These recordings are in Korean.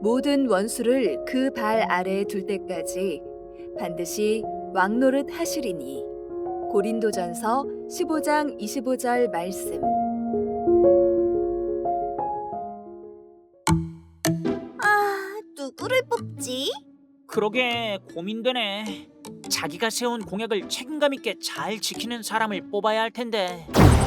모든 원수를 그 발 아래에 둘 때까지 반드시 왕노릇 하시리니. 고린도전서 15장 25절 말씀. 누구를 뽑지? 그러게 고민되네. 자기가 세운 공약을 책임감 있게 잘 지키는 사람을 뽑아야 할 텐데.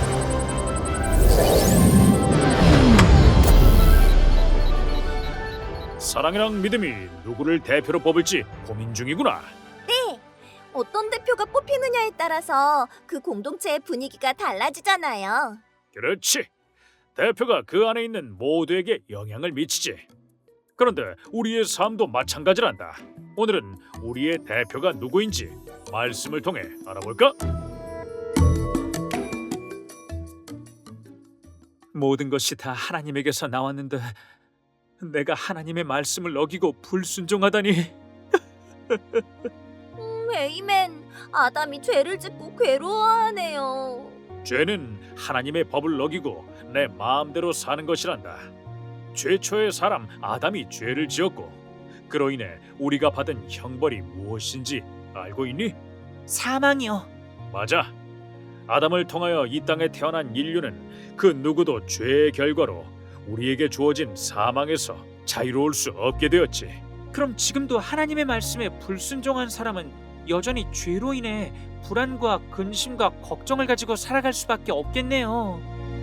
사랑이랑 믿음이 누구를 대표로 뽑을지 고민 중이구나. 어떤 대표가 뽑히느냐에 따라서 그 공동체의 분위기가 달라지잖아요. 그렇지. 대표가 그 안에 있는 모두에게 영향을 미치지. 그런데 우리의 삶도 마찬가지란다. 오늘은 우리의 대표가 누구인지 말씀을 통해 알아볼까? 모든 것이 다 하나님에게서 나왔는데 내가 하나님의 말씀을 어기고 불순종하다니. 에이맨, 아담이 죄를 짓고 괴로워하네요. 죄는 하나님의 법을 어기고 내 마음대로 사는 것이란다. 최초의 사람 아담이 죄를 지었고 그로 인해 우리가 받은 형벌이 무엇인지 알고 있니? 사망이요. 맞아. 아담을 통하여 이 땅에 태어난 인류는 그 누구도 죄의 결과로 우리에게 주어진 사망에서 자유로울 수 없게 되었지. 그럼 지금도 하나님의 말씀에 불순종한 사람은 여전히 죄로 인해 불안과 근심과 걱정을 가지고 살아갈 수밖에 없겠네요.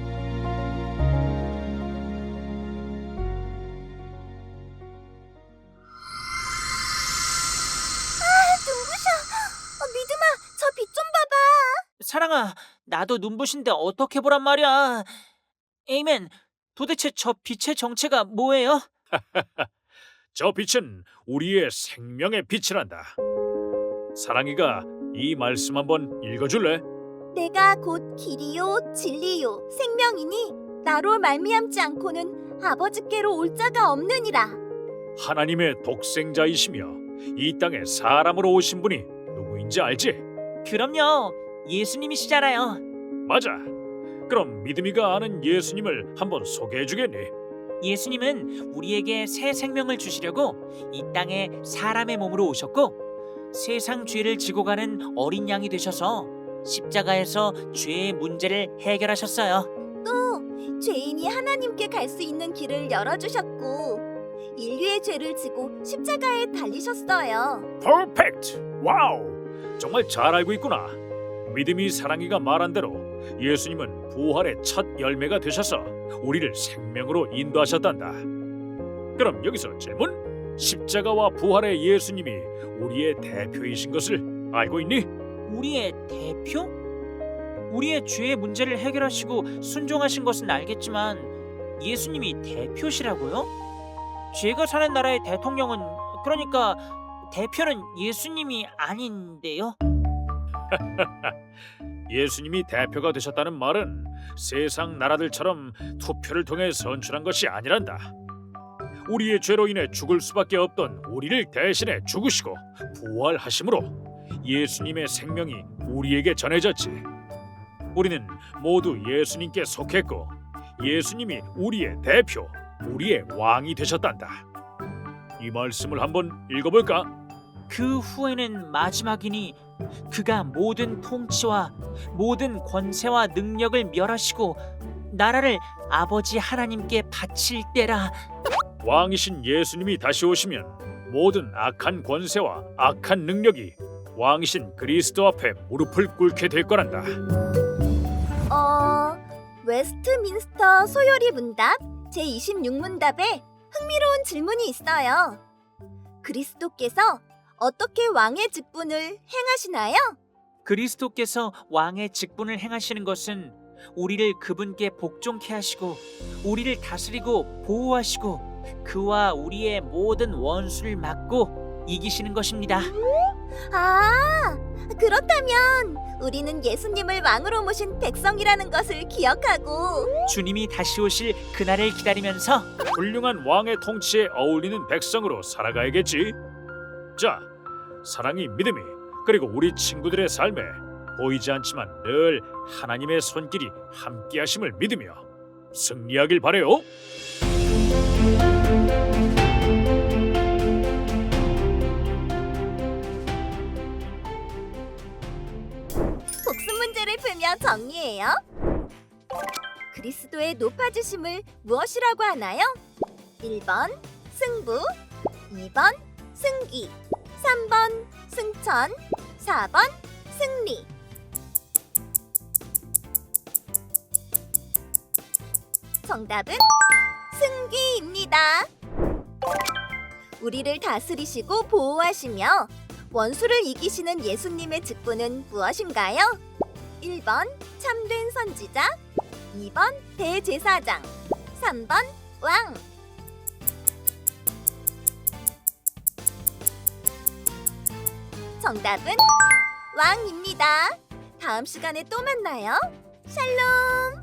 눈부셔. 믿음아, 저 빛 좀 봐봐. 사랑아, 나도 눈부신데 어떻게 보란 말이야. 에이맨, 도대체 저 빛의 정체가 뭐예요? 저 빛은 우리의 생명의 빛이란다. 사랑이가 이 말씀 한번 읽어줄래? 내가 곧 길이요 진리요 생명이니 나로 말미암지 않고는 아버지께로 올 자가 없느니라. 하나님의 독생자이시며 이 땅에 사람으로 오신 분이 누구인지 알지? 그럼요. 예수님이시잖아요. 맞아. 그럼 믿음이가 아는 예수님을 한번 소개해 주겠니? 예수님은 우리에게 새 생명을 주시려고 이 땅에 사람의 몸으로 오셨고 세상 죄를 지고 가는 어린 양이 되셔서 십자가에서 죄의 문제를 해결하셨어요. 또 죄인이 하나님께 갈 수 있는 길을 열어주셨고 인류의 죄를 지고 십자가에 달리셨어요. 퍼펙트! 와우! 정말 잘 알고 있구나. 믿음이 사랑이가 말한 대로 예수님은 부활의 첫 열매가 되셔서 우리를 생명으로 인도하셨단다. 그럼 여기서 질문? 십자가와 부활의 예수님이 우리의 대표이신 것을 알고 있니? 우리의 대표? 우리의 죄의 문제를 해결하시고 순종하신 것은 알겠지만 예수님이 대표시라고요? 제가 사는 나라의 대통령은 그러니까 대표는 예수님이 아닌데요? 예수님이 대표가 되셨다는 말은 세상 나라들처럼 투표를 통해 선출한 것이 아니란다. 우리의 죄로 인해 죽을 수밖에 없던 우리를 대신해 죽으시고 부활하심으로 예수님의 생명이 우리에게 전해졌지. 우리는 모두 예수님께 속했고 예수님이 우리의 대표, 우리의 왕이 되셨단다. 이 말씀을 한번 읽어볼까? 그 후에는 마지막이니 그가 모든 통치와 모든 권세와 능력을 멸하시고 나라를 아버지 하나님께 바칠 때라. 왕이신 예수님이 다시 오시면 모든 악한 권세와 악한 능력이 왕이신 그리스도 앞에 무릎을 꿇게 될 거란다. 웨스트민스터 소요리 문답 제26문답에 흥미로운 질문이 있어요. 그리스도께서 어떻게 왕의 직분을 행하시나요? 그리스도께서 왕의 직분을 행하시는 것은 우리를 그분께 복종케 하시고 우리를 다스리고 보호하시고 그와 우리의 모든 원수를 막고 이기시는 것입니다. 그렇다면 우리는 예수님을 왕으로 모신 백성이라는 것을 기억하고 주님이 다시 오실 그날을 기다리면서 훌륭한 왕의 통치에 어울리는 백성으로 살아가야겠지. 자, 사랑이 믿음이 그리고 우리 친구들의 삶에 보이지 않지만 늘 하나님의 손길이 함께하심을 믿으며 승리하길 바래요. 문제를 풀며 정리해요. 그리스도의 높아지심을 무엇이라고 하나요? 1번 승부, 2번 승기, 3번 승천, 4번 승리. 정답은 승기입니다. 우리를 다스리시고 보호하시며 원수를 이기시는 예수님의 직분은 무엇인가요? 1번 참된 선지자, 2번 대제사장, 3번 왕. 정답은 왕입니다. 다음 시간에 또 만나요. 샬롬.